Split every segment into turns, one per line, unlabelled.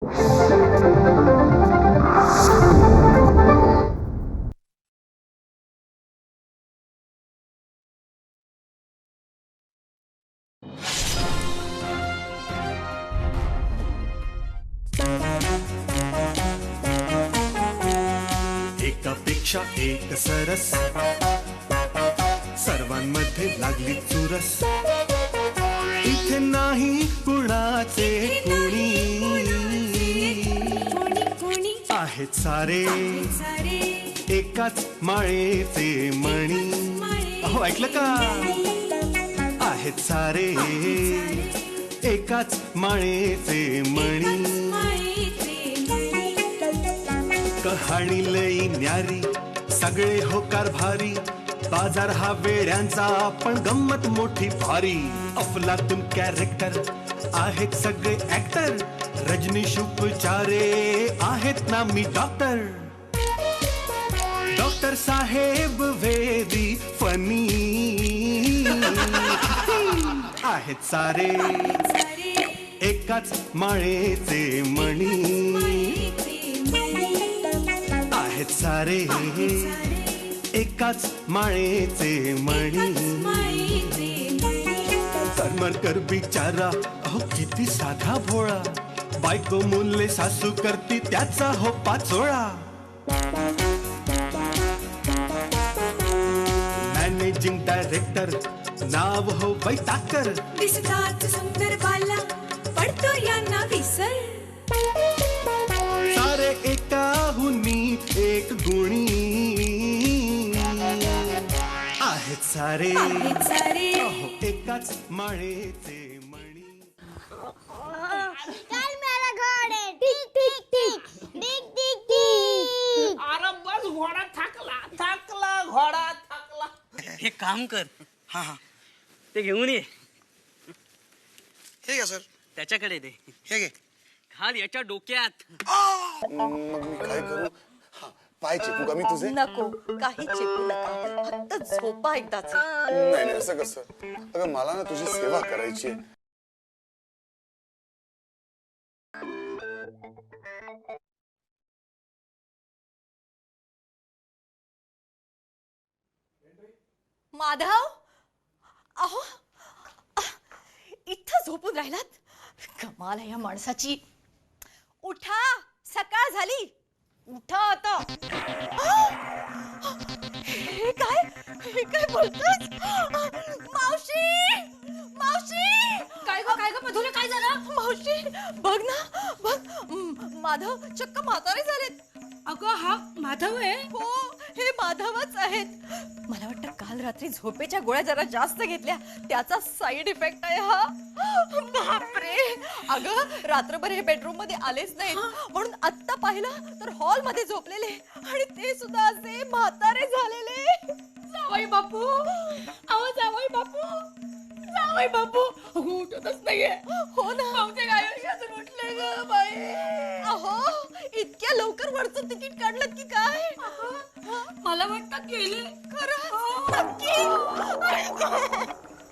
एकापेक्षा एक सरस, सर्वांमध्ये लागली चुरस, इथे नाही कुणाचे कुणी, आहेत सारे एकाच माळेचे मणी. अहो ऐकलं का? आहेत सारे एकाच माळेचे मणी. कहाणी लई न्यारी, सगळे होकार भारी, बाजार हा वेड्यांचा पण गंमत मोठी भारी. अफलातून कॅरेक्टर आहेत सगळे ऍक्टर, रजनीश उपचारे आहेत ना मी डॉक्टर. डॉक्टर साहेब वेदी फनी, आहेत सारे एकाच माळेचे मणी. आहेत सारे एकाच माळेचे मणी. करमरकर बिचारा अहो किती साधा भोळा, बायको मुले सासू करती त्याचा हो पाचोळा. मॅनेजिंग डायरेक्टर नाव हो वैताकर,
दिसतात सुंदर बाला पडतो यांना विसर.
सारे एकाहुनी एक गुणी, आहेत सारे अहो एकाच माळेचे मणी.
चल मेरा घोड़े टिक टिक टिक टिक टिक टिक.
अरे बस घोडा थकला घोडा थकला.
हे काम कर, हा हा ते घेऊन ये.
हे घ्या सर.
त्याच्याकडे दे.
हे घे.
घाल याच्या डोक्यात.
मग मी काय करू? हा, पाय चेपू का मी तुझे?
नको, काही चेपू नका, फक्त झोपा एकदाच.
नाही नाही असं कसं? अगं मला ना तुझी सेवा करायची आहे.
माधव, अहो इथं झोपून राहिलात? कमाल आहे या माणसाची. उठा, सकाळ झाली, उठा आता. हे काय बोलतोस? मावशी, मावशी.
काय ग मधुरे, काय झालं?
मावशी बघ ना, बघ माधव चक्क म्हातारे झालेत.
अगं हा माधव आहे?
हो, हे माधवच आहेत. मला वाटतं काल रात्री झोपेच्या गोळ्या जरा जास्त घेतल्या, त्याचा साइड इफेक्ट आहे हा. बापरे. अगं रात्रभर हे बेडरूम मध्ये आलेच नाहीत, म्हणून आत्ता पाहिलं तर हॉल मध्ये झोपलेले, आणि ते सुद्धा असे म्हातारे झालेले.
जावई बापू, अहो जावई बापू उठतच नाहीये.
हो ना,
बहुतेक आयुष्यातून उठले ग बाई.
अहो इतक्या लवकर वरचं तिकीट काढलं की काय?
मला वाटतं गेले.
खरं नक्की?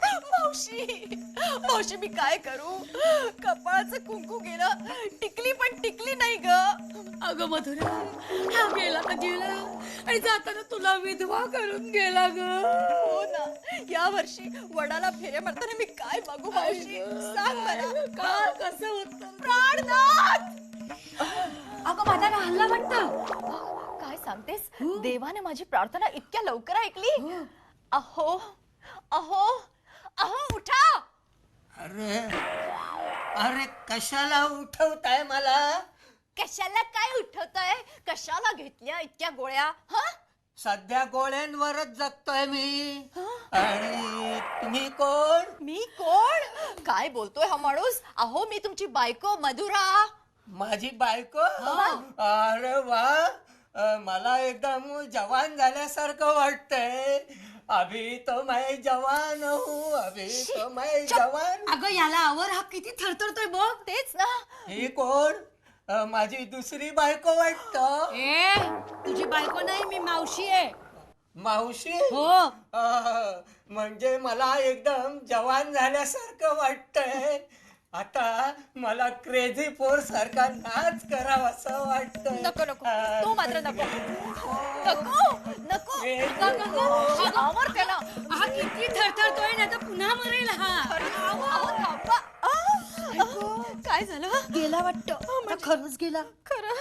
मावशी मी काय करू? कपाळाचं कुंकू गेलं, टिकली पण टिकली नाही ग.
अगं मधुरा, हा गेला तर गेला, आणि जाताना तुला विधवा करून गेला ग.
हो ना, या वर्षी वडाला फेऱ्या मारताना मी काय मागू मावशी? सांग मला.
काय कसं होतं?
प्राणनाथ.
अगं माझा हल्ला वाटतं.
काय सांगतेस? देवाने माझी प्रार्थना इतक्या लवकर ऐकली? अहो अहो अहो उठा.
अरे अरे कशाला उठवताय मला?
कशाला काय उठवताय? कशाला घेतल्या इतक्या गोळ्या? हा,
सध्या गोळ्यांवरच जगतोय मी. आणि तुम्ही कोण?
मी कोण? काय बोलतोय हा माणूस? अहो मी तुमची बायको मधुरा.
माझी बायको? अरे वा, मला एकदम जवान झाल्यासारखं वाटतंय. अभी तो मैं जवान हूँ, अभी तो मैं जवान.
अगं याला आवर, हा किती थरथरतोय बघ.
तेच ना.
ही कोण? माझी दुसरी बायको वाटतं.
ए, तुझी बायको नाही, मी मावशी आहे.
मावशी?
हो.
म्हणजे मला एकदम जवान झाल्यासारखं वाटतंय. आता मला क्रेझी फोर सारखा नाच करावा असं वाटतं.
नको नको तो मात्र नको नको नको आवर त्याला.
हा किती थरथरतोय ना, तर पुन्हा मरेल हा.
थांबा. काय झालं?
गेला वाटतं, खरंच गेला.
खरं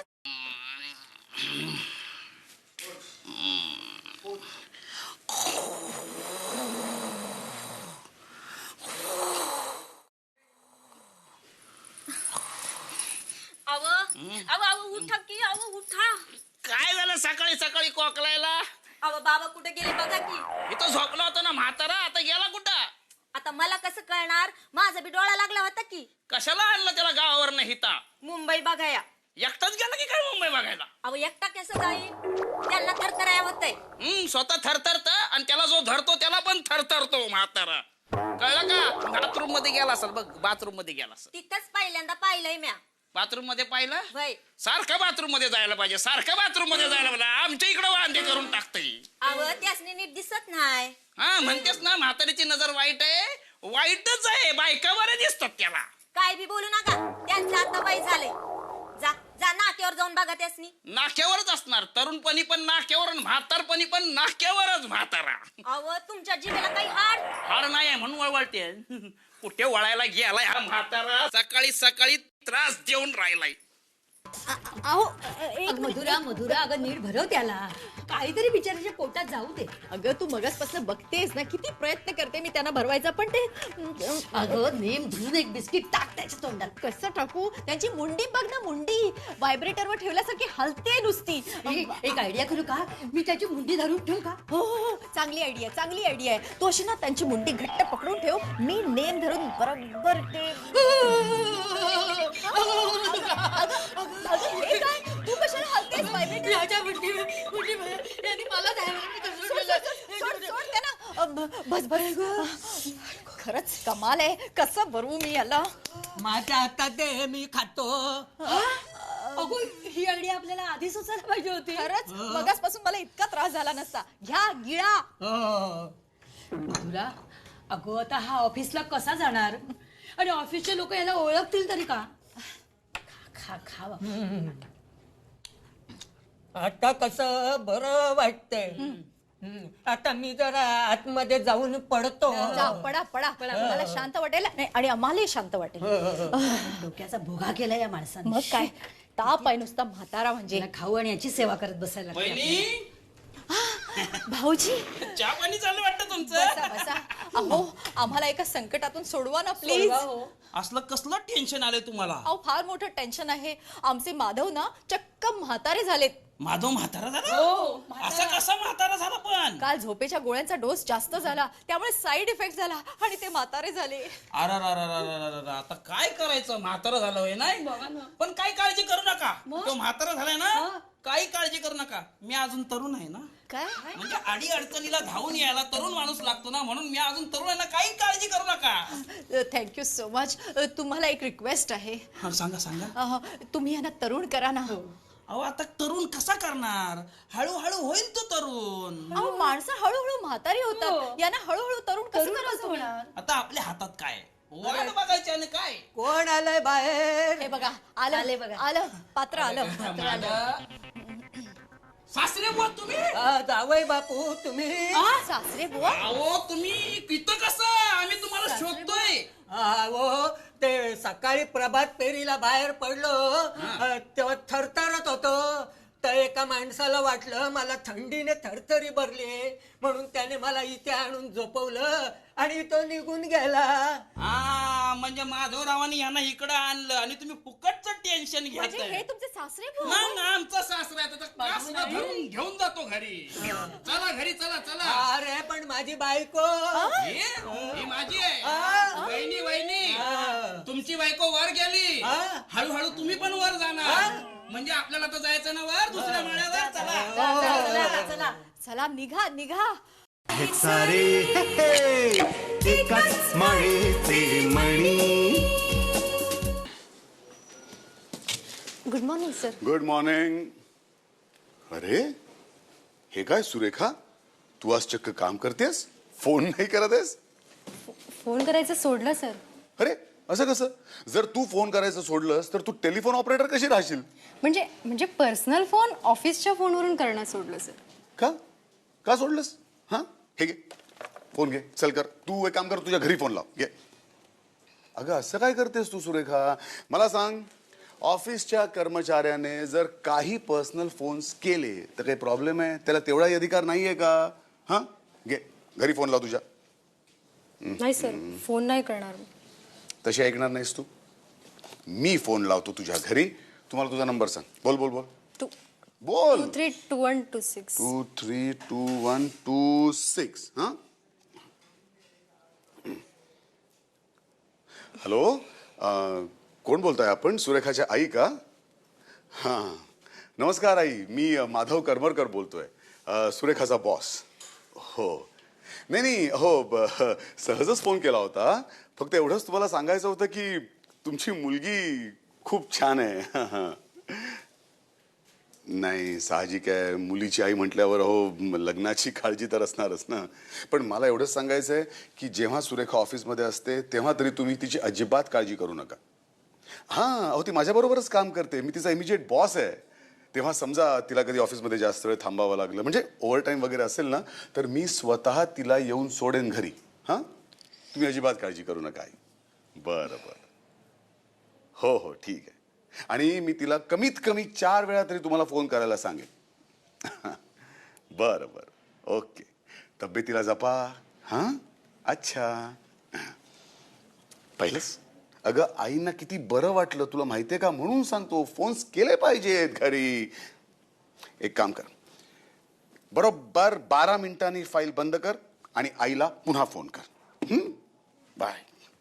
उठा की उठा.
काय झालं सकाळी सकाळी कोकलायला?
बाबा कुठे गेले बघा की.
इथं झोपला होता ना म्हातारा, आता गेला कुठं?
आता मला कसं कळणार, माझा बी डोळा लागला होता की.
कशाला आणलं त्याला गावावर नाही हिता?
मुंबई बघाया.
एकटाच गेला की काय मुंबई बघायला?
एकटा कसं जाईल, त्यांना थरथराया होतंय.
स्वतः थरथरत आणि त्याला जो धरतो त्याला पण थरथरतो म्हातारा. कळलं का? बाथरूम मध्ये गेला असेल बघ, बाथरूम मध्ये गेला असेल.
तिथंच पहिल्यांदा पाहिलंय म्या.
बाथरूम मध्ये पाहिलं?
वय
सारखं बाथरूम मध्ये जायला पाहिजे, सारखं बाथरूम मध्ये जायला पाहिजे. आमच्या इकडे वांदे करून टाकतंय.
त्यासनी नीट दिसत नाही.
हा म्हणतेस ना, म्हातारीची नजर वाईट आहे. वाईटच आहे, बायका बरे दिसतात त्याला.
काय बी बोलू नका, त्यांचं आता वय झालंय. जा जा नाक्यावर जाऊन बघा त्यासनी.
नाक्यावरच असणार, तरुणपणी पण नाक्यावर आणि म्हातारपणी पण नाक्यावरच म्हातारा.
तुमच्या जिभेला काही हाड.
हाड नाही आहे म्हणून वळवळते. कुठे वळायला गेलाय हा म्हातारा? सकाळी सकाळी त्रास देऊन राहिलाय.
मधुरा मधुरा, अगं नीट भरव त्याला, काहीतरी बिचाराच्या पोटात जाऊ दे.
अगं तू मगासपासून बघतेस ना, किती प्रयत्न करते मी त्यांना भरवायचा, पण ते
अगं नेम धुवून एक बिस्किट टाक त्याच्या तोंडात.
कसं टाकू? त्यांची मुंडी बघ ना, मुंडी व्हायब्रेटरवर ठेवल्यासारखी हलते नुसती.
एक आयडिया करू का, मी त्याची मुंडी धरून ठेवू का?
हो हो हो, चांगली आयडिया, चांगली आयडिया आहे. तू अशी ना त्यांची मुंडी घट्ट पकडून ठेव, मी नेम धरून बरोबर ते. अगं, हे काय? तू कशाला हलतेस व्हायब्रेटर?
मला
सोड त्यांना. बस बस. खरंच कमाल आहे, कसं भरवू मी याला?
माझ्या हातात दे, मी खातो.
अगो ही आयडिया आपल्याला आधी सुचायला पाहिजे होती.
खरंच मगासपासून मला इतका त्रास झाला नसता. घ्या गिळा.
मधुरा, अगो आता हा ऑफिसला कसा जाणार, आणि ऑफिसचे लोक याला ओळखतील तरी का? खा खा बाबा.
आता कसं बरं वाटतंय. आता मी जरा आतमध्ये जाऊन पडतो.
जा, पडा पडा. मला शांत वाटेल आणि आम्हालाही शांत वाटेल.
डोक्याचा भोगा केला या माणसाने.
मग काय, ताप आहे नुसता म्हातारा म्हणजे.
त्याला खाऊ आणि याची सेवा करत बसायला लागते.
बहिणी,
भाऊजी
चहा पाणी चालू वाटतं तुमचं?
बसा बसा. अहो आम्हाला एका संकटातून सोडवा ना प्लीज.
असलं कसलं टेन्शन आलंय तुम्हाला?
अहो फार मोठं टेन्शन आहे. आमचे माधव ना चक्क म्हातारे झालेत.
माधव म्हातारा झाला? असा कसा म्हातारा झाला पण?
काल झोपेच्या गोळ्यांचा डोस जास्त झाला, त्यामुळे साईड इफेक्ट झाला आणि ते म्हातारे झाले.
अरे आता काय करायचं? म्हातारा झालं होय नाही, पण काही काळजी करू नका. तो म्हातारा झालाय ना, काही काळजी करू नका. मी अजून तरुण आहे ना.
काय?
म्हणजे अडी अडचणीला धावून यायला तरुण माणूस लागतो ना, म्हणून मी अजून तरुण आहे ना. काही काळजी करू नका.
Thank you so much. तुम्हाला एक रिक्वेस्ट आहे.
सांगा सांगा.
तुम्ही यांना तरुण करा ना.
अहो आता तरुण कसा करणार? हळूहळू होईल तो तरुण.
अहो माणसं हळूहळू म्हातारी होतात, यांना हळूहळू तरुण कसं करायचं होणार?
आता आपल्या हातात काय? वाट बघायची आणि काय?
कोण आलंय बाहेर?
हे बघा आलं बघा, आलं पात्र आलं.
सासरे बुवा तुम्ही?
जावई बापू तुम्ही?
सासरे बुवा.
अहो तुम्ही इथं कसं? आम्ही तुम्हाला शोधतोय.
ते सकाळी प्रभात फेरीला बाहेर पडलो, तेव्हा थरथरत होतो. तर एका माणसाला वाटलं मला थंडीने थरथरी भरली, म्हणून त्याने मला इथे आणून झोपवलं आणि तो निघून गेला.
म्हणजे माधवरावांनी यांना इकडे आणलं आणि तुम्ही फुकटचं टेन्शन
म्हणजे हे
घ्यायचं.
तुमचे सासरे बुवा?
मग आमचा सासरा आहे, त्याचा कासरा धरून घेऊन जातो घरी. चला घरी, चला चला.
अरे पण माझी बायको.
ही माझी आहे. वहिनी वहिनी, तुमची बायको वर गेली, हळूहळू तुम्ही पण वर जाणार. म्हणजे आपल्याला तर जायचं ना वर, दुसऱ्या माळ्यावर. चला
चला निघा निघा.
हे सारे एकाच माळेचे मणी.
Good morning sir.
Good morning. अरे हे काय सुरेखा, तू आज चक्क काम करतेस, फोन नाही करत आहेस?
फोन करायचं सोडलं सर.
अरे असं कसं? जर तू फोन करायचं सोडलंस तर तू टेलिफोन ऑपरेटर कशी राहशील?
म्हणजे पर्सनल फोन ऑफिसच्या फोनवरून करणं सोडलं सर.
का सोडलंस? हा, हे घे फोन घे, चल कर. तू एक काम कर, तुझ्या घरी फोन लाव, घे. अगं असं काय करतेस तू सुरेखा? मला सांग, ऑफिसच्या कर्मचाऱ्याने जर काही पर्सनल फोन्स केले तर काही प्रॉब्लेम आहे? त्याला तेवढाही अधिकार नाहीये का? हा, घे घरी फोन लाव तुझ्या.
नाही सर, फोन नाही करणार.
तशी ऐकणार नाहीस तू. मी फोन लावतो तुझ्या घरी. तुम्हाला तुझा नंबर सांग. बोल बोल बोल बोल.
232126.
232126. हा, हॅलो, कोण बोलताय आपण? सुरेखाच्या आई का? हां, नमस्कार आई, मी माधव करमरकर बोलतोय, सुरेखाचा बॉस. हो, नाही हो, सहजच फोन केला होता. फक्त एवढंच तुम्हाला सांगायचं होतं की तुमची मुलगी खूप छान आहे. नाही, साहजिक आहे, मुलीची आई म्हटल्यावर हो लग्नाची काळजी तर असणारच ना. पण मला एवढंच सांगायचं आहे की जेव्हा सुरेखा ऑफिसमध्ये असते तेव्हा तरी तुम्ही तिची अजिबात काळजी करू नका. हां, अहो ती माझ्याबरोबरच काम करते, मी तिचा इमिजिएट बॉस आहे. तेव्हा समजा तिला कधी ऑफिसमध्ये जास्त वेळ थांबावं लागलं, म्हणजे ओव्हरटाईम वगैरे असेल ना, तर मी स्वतः तिला येऊन सोडेन घरी. हां, तुम्ही अजिबात काळजी करू नका आई. बरं बरं, हो हो ठीक आहे. आणि मी तिला कमीत कमी 4 वेळा तरी तुम्हाला फोन करायला सांगेन. बरं बरं, ओके. तब्येतीला जपा. हां, अच्छा. पहिलंच अगं आईंना किती बरं वाटलं तुला माहितीये का, म्हणून सांगतो फोन्स केले पाहिजेत घरी. एक काम कर, बरोबर 12 मिनिटांनी फाईल बंद कर आणि आईला पुन्हा फोन कर. बाय.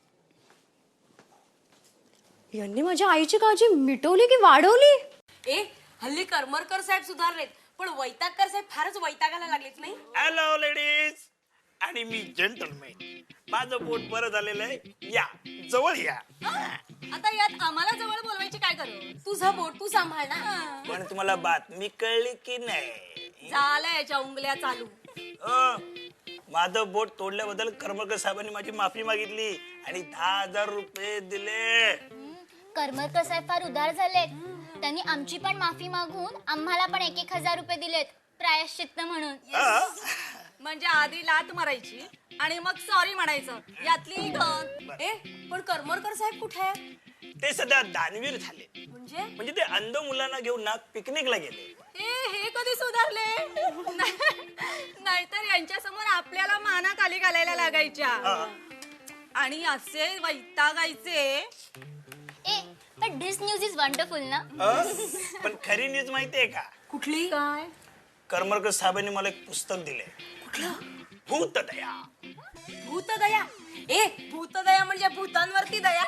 यांनी माझ्या आईची काळजी मिटवली की वाढवली?
ए हल्ली करमरकर साहेब सुधारलेत, पण वैतागकर साहेब फारच वैतागायला लागलेत नाही?
हॅलो लेडीज आणि मी जेंटलमॅन. माझं पोट बरं झालेलं आहे, या जवळ या.
आता यात आम्हाला जवळ बोलवायची काय करू? तुझं बोट तू सांभाळ ना.
पण तुम्हाला बातमी कळली की नाही?
झालंय याच्या उंगल्या चालू.
माझं बोट तोडल्याबद्दल करमरकर साहेबांनी माझी माफी मागितली आणि 10,000 रुपये दिले.
करमरकर साहेब फार उदार झालेत. त्यांनी आमची पण माफी मागून आम्हाला पण 1,000 रुपये दिलेत प्रायश्चित्त म्हणून.
म्हणजे आधी लात मारायची आणि मग सॉरी म्हणायचं, यातली गण. ए पण करमरकर साहेब कुठे आहे?
ते सध्या दानवीर झाले.
म्हणजे
ते अंध मुलांना घेऊन ना पिकनिकला गेले.
हे कधी सुधारले? नाहीतर यांच्या समोर आपल्याला माना खाली घालायला लागायच्या आणि असे वैतागायचे.
पण दिस न्यूज इज वंडरफुल ना.
पण खरी न्यूज माहितीये का?
कुठली? काय?
करमरकर साहेबांनी मला एक पुस्तक दिले.
कुठलं?
भूतदया.
भूतदया? ए भूतदया म्हणजे भूतांवरती दया.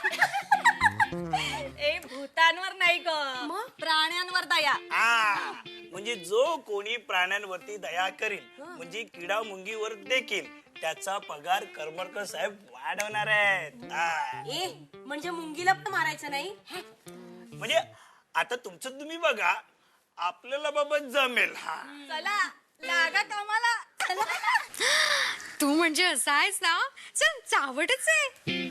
ए भूतांवर नाही ग, प्राण्यांवर दया.
म्हणजे जो कोणी प्राण्यांवरती दया करील, म्हणजे किडा मुंगीवर देखील त्याचा पगार करमरकर साहेब वाढवणार आहेत.
ए म्हणजे मुंगीला पण मारायचं नाही?
म्हणजे आता तुमचं तुम्ही बघा, आपल्याला बाबा जमेल.
चला लागा कामाला.
तू म्हणजे असा आहेस ना, चल चावटच आहे.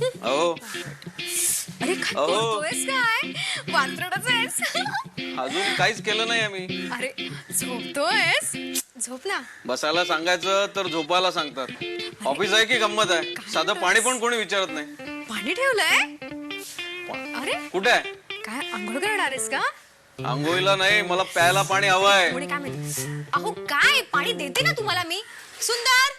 अरे करतोयस काय? वात्रडच आहेस.
अजून काहीच केलं नाही आम्ही.
अरे झोपतोयस? झोप ना.
बसायला सांगायचं तर झोपायला सांगतात. ऑफिस आहे की गंमत आहे? साधं पाणी पण कोणी विचारत नाही.
पाणी ठेवलंय? अरे
कुठे आहे?
काय आंघोळ करणार आहेस का?
आंघोळीला नाही, मला प्यायला पाणी हवंय.
कोणी काय माहिती? अहो काय पाणी देते ना तुम्हाला मी. सुंदर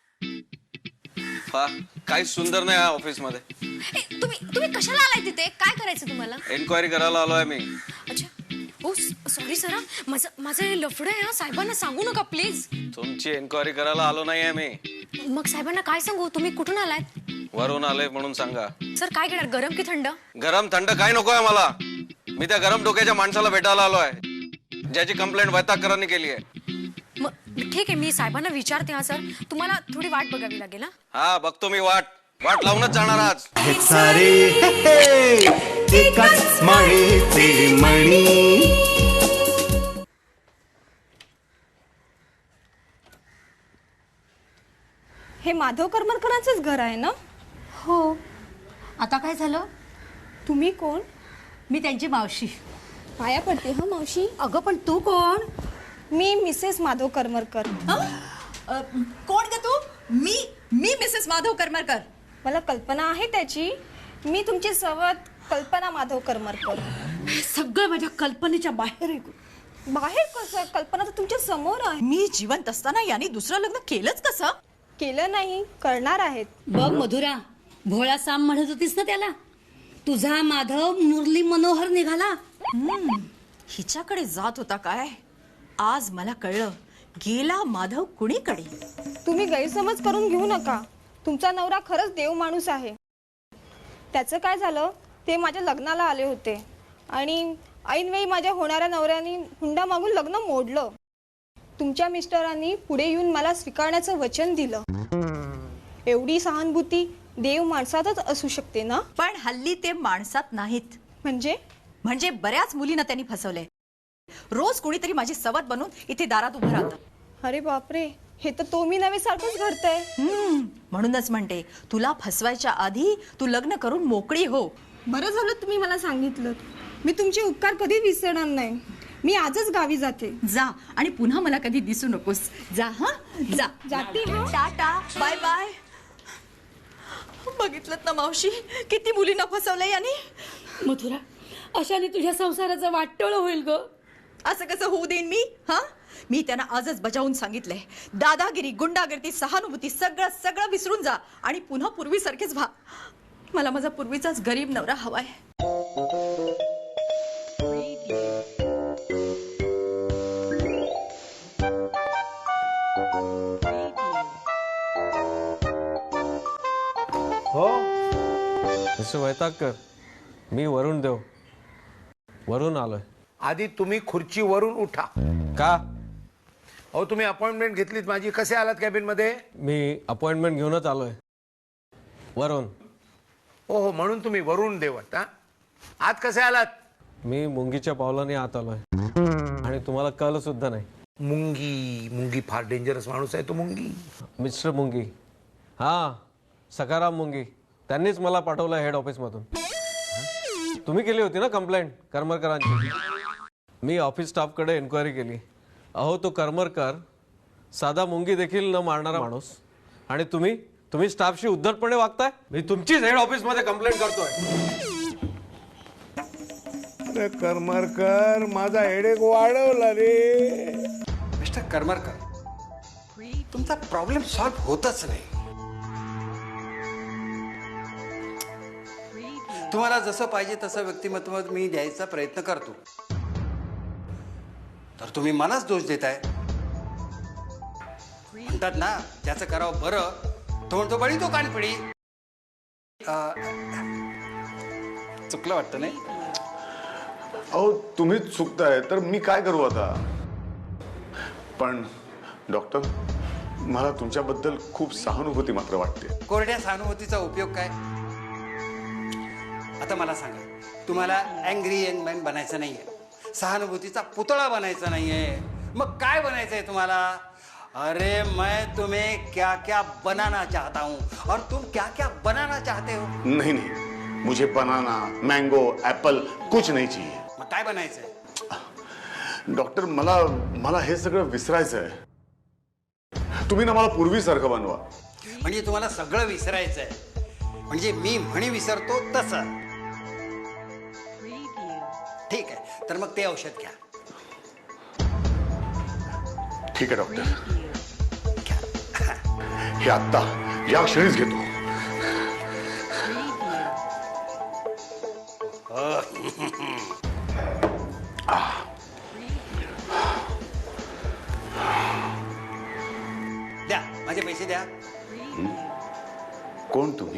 काही सुंदर नाही ऑफिस मध्ये.
तुम्ही कशाला आलाय तिथे? काय करायचं तुम्हाला?
एन्क्वायरी करायला आलोय मी.
अच्छा, ओ सॉरी सर, माझं हे लफडं आहे. साहेबांना सांगू नका प्लीज.
तुमची एन्क्वायरी करायला आलो नाहीये मी.
मग साहेबांना काय सांगू? तुम्ही कुठून आलात?
वरून आलोय म्हणून सांगा.
सर काय घेणार, गरम की थंड?
गरम थंड काय नकोय मला. मी त्या गरम डोक्याच्या माणसाला भेटायला आलोय, ज्याची कंप्लेंट वैतागकरांनी केली आहे.
मग ठीक आहे, मी साहेबांना विचारते. हा सर, तुम्हाला थोडी वाट बघावी लागेल.
हा बघतो मी वाट लावूनच जाणार आज.
हे सारे एकाच माळेचे मणी.
हे माधव करमरकरांचंच घर आहे ना? हो.
आता काय झालं?
तुम्ही कोण?
मी त्यांची मावशी.
पाया पडते हा मावशी.
अगं पण तू कोण?
मी मिसेस माधव करमरकर.
कोण ग तू? मी मिसेस माधव करमरकर.
मला कल्पना आहे त्याची. मी तुमची सवत कल्पना माधव करमरकर.
सगळं माझ्या कल्पनेच्या बाहेर आहे.
बाहेर कसं? कल्पना तर तुमच्या समोर आहे.
मी जिवंत असताना याने दुसरं लग्न केलंच कसं?
केलं नाही, करणार आहेत.
बघ मधुरा, भोळा साम म्हणत होतीस ना त्याला, तुझा माधव मुरली मनोहर निघाला.
हिच्याकडे जात होता काय? आज मला कळलं, गेला माधव कुणीकडे.
तुम्ही गैरसमज करून घेऊ नका. तुमचा नवरा खरंच देव माणूस आहे. त्याचं काय झालं, ते माझ्या लग्नाला आले होते आणि ऐनवेळी माझ्या होणाऱ्या नवऱ्याने हुंडा मागून लग्न मोडलं. तुमच्या मिस्टरांनी पुढे येऊन मला स्वीकारण्याचं वचन दिलं. एवढी सहानुभूती देव माणसातच असू शकते ना?
पण हल्ली ते माणसात नाहीत.
म्हणजे
बऱ्याच मुलींना त्यांनी फसवलंय. रोज कोणीतरी माझी सवत बनून इथे दारात उभं राहतं.
अरे बापरे, हे तर तो मी नवे सारखंच घडतंय.
म्हणूनच म्हणते, तुला फसवायच्या आधी तू लग्न करून मोकळी हो.
बरं झालं तुम्ही मला सांगितलं. मी तुमचे उपकार कधीच विसरणार नाही. मी आजच गावी जाते.
जा आणि पुन्हा मला कधी दिसू नकोस. जा हा, जा.
जाते हा.
Tata, bye bye. बघितलं ना मावशी, किती मुलींना फसवलंय याने.
मधुरा, अशाने तुझ्या संसाराचं वाटोळं होईल ग.
असं कसं होऊ देईन मी? हा, मी त्यांना आजच बजावून सांगितलंय, दादागिरी, गुंडागिरी, सहानुभूती सगळं सगळं विसरून जा आणि पुन्हा पूर्वीसारखेच व्हा. मला माझा पूर्वीचाच गरीब नवरा हवाय.
हो मिस्टर वैतागकर, मी वरुण देव, वरून आलोय.
आधी तुम्ही खुर्चीवरून उठा.
का?
अहो तुम्ही अपॉइंटमेंट घेतलीत माझी. कसे आलात कॅबिन मध्ये?
मी अपॉइंटमेंट घेऊनच आलोय. वरून.
हो, म्हणून तुम्ही वरुण देवत. हा, आत कसे आलात?
मी मुंगीच्या पावलाने आत आलोय आणि तुम्हाला कळलं सुद्धा नाही.
मुंगी फार डेंजरस माणूस आहे तो मुंगी.
मिस्टर मुंगी, हा सखाराम मुंगी, त्यांनीच मला पाठवलं हेड ऑफिस मधून. तुम्ही केली होती ना कंप्लेंट करमरकरांची. मी ऑफिस स्टाफकडे एन्क्वायरी केली. अहो तो करमरकर साधा मुंगी देखील न मारणारा माणूस, आणि तुम्ही स्टाफशी उद्धटपणे वागताय. मी तुमचीच हेड ऑफिस मध्ये कंप्लेंट करतोय.
अरे करमरकर, माझा हेडेक वाढवला रे.
मिस्टर करमरकर, तुमचा प्रॉब्लेम सॉल्व्ह होतच नाही. तुम्हाला जसं पाहिजे तसं व्यक्तिमत्व मी द्यायचा प्रयत्न करतो, तर तुम्ही मलाच दोष देताय. म्हणतात ना, ज्याचं करावं बरं तो म्हणतो बळी तो कानपिडी. चुकलं वाटतं नाही?
अहो तुम्हीच चुकताय तर मी काय करू आता. पण डॉक्टर, मला तुमच्याबद्दल खूप सहानुभूती मात्र वाटते.
कोरड्या सहानुभूतीचा उपयोग काय? आता मला सांगा, तुम्हाला अँग्री यंग मॅन बनायचं नाहीये, सहानुभूतीचा पुतळा बनायचा नाहीये, मग काय बनायचंय तुम्हाला? अरे मैं तुम्हें क्या क्या बनाना चाहता हूं और तुम क्या क्या बनाना चाहते हो.
नहीं नहीं, मुझे बनाना, मैंगो, एप्पल कुछ नहीं चाहिए.
मग काय बनायचंय?
डॉक्टर, मला हे सगळं विसरायचं आहे. तुम्ही ना मला पूर्वीसारखं बनवा.
म्हणजे तुम्हाला सगळं विसरायचंय, म्हणजे मी म्हणी विसरतो तसं. ठीक आहे, तर मग ते औषध घ्या.
ठीक आहे डॉक्टर, हे आत्ता या क्षणीच घेतो.
द्या, माझे पैसे द्या.
कोण तुम्ही?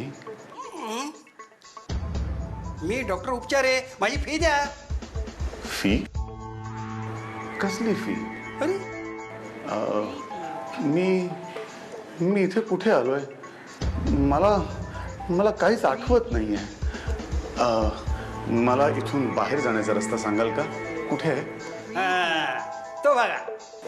मी डॉक्टर उपचार आहे, माझी फी द्या.
फी? कसली फी?
अरे
मी इथे कुठे आलोय? मला काहीच आठवत नाहीये. मला इथून बाहेर जाण्याचा रस्ता सांगाल का? कुठे आहे?
तो बघा.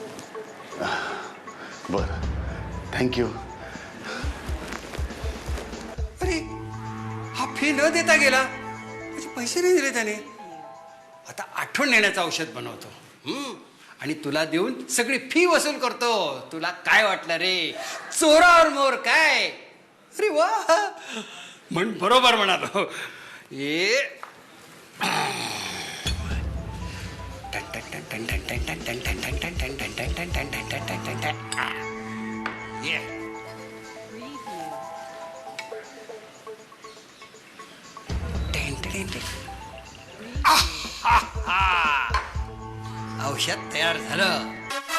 बरं, थँक्यू.
अरे हा फी न देता गेला, म्हणजे पैसे नाही दिले त्याने. आता आठवण येण्याचं औषध बनवतो आणि तुला देऊन सगळी फी वसूल करतो. तुला काय वाटलं रे, चोरावर मोर काय? अरे वा, म्हण बरोबर म्हणालो. औषध तयार झालं.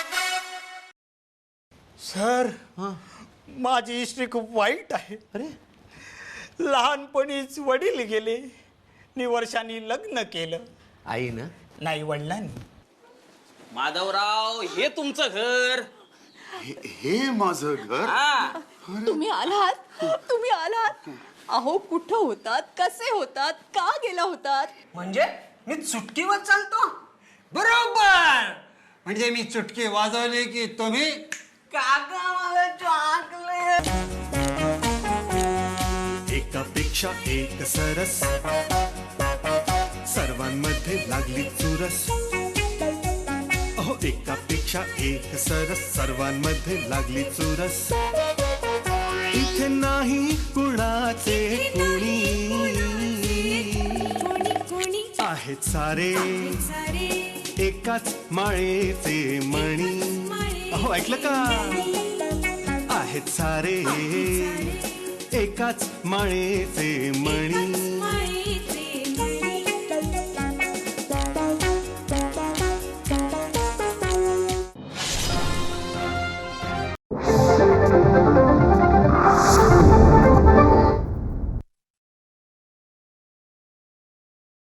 सर, माझी हिस्ट्री खूप वाईट आहे. अरे, लहानपणीच वडील गेले, वर्षांनी लग्न केलं.
आई ना?
नाही, वडिलांनी.
माधवराव, हे तुमचं घर.
हे माझं घर.
तुम्ही आलात. अहो, कुठं होतात, कसे होतात, का गेला होतात?
म्हणजे मी चुटकीवर चालतो? बरोबर.
म्हणजे मी चुटकी वाजवली की तुम्ही
काका मला टाकले.
एकापेक्षा एक सरस, सर्वांमध्ये लागली चुरस. अहो, एकापेक्षा एक सरस, सर्वांमध्ये लागली चुरस. इथे नाही कुणाचे कुणी, आहेत सारे एकाच माळेचे मणी. अहो, ऐकलं का? आहेत सारे एकाच माळेचे मणी.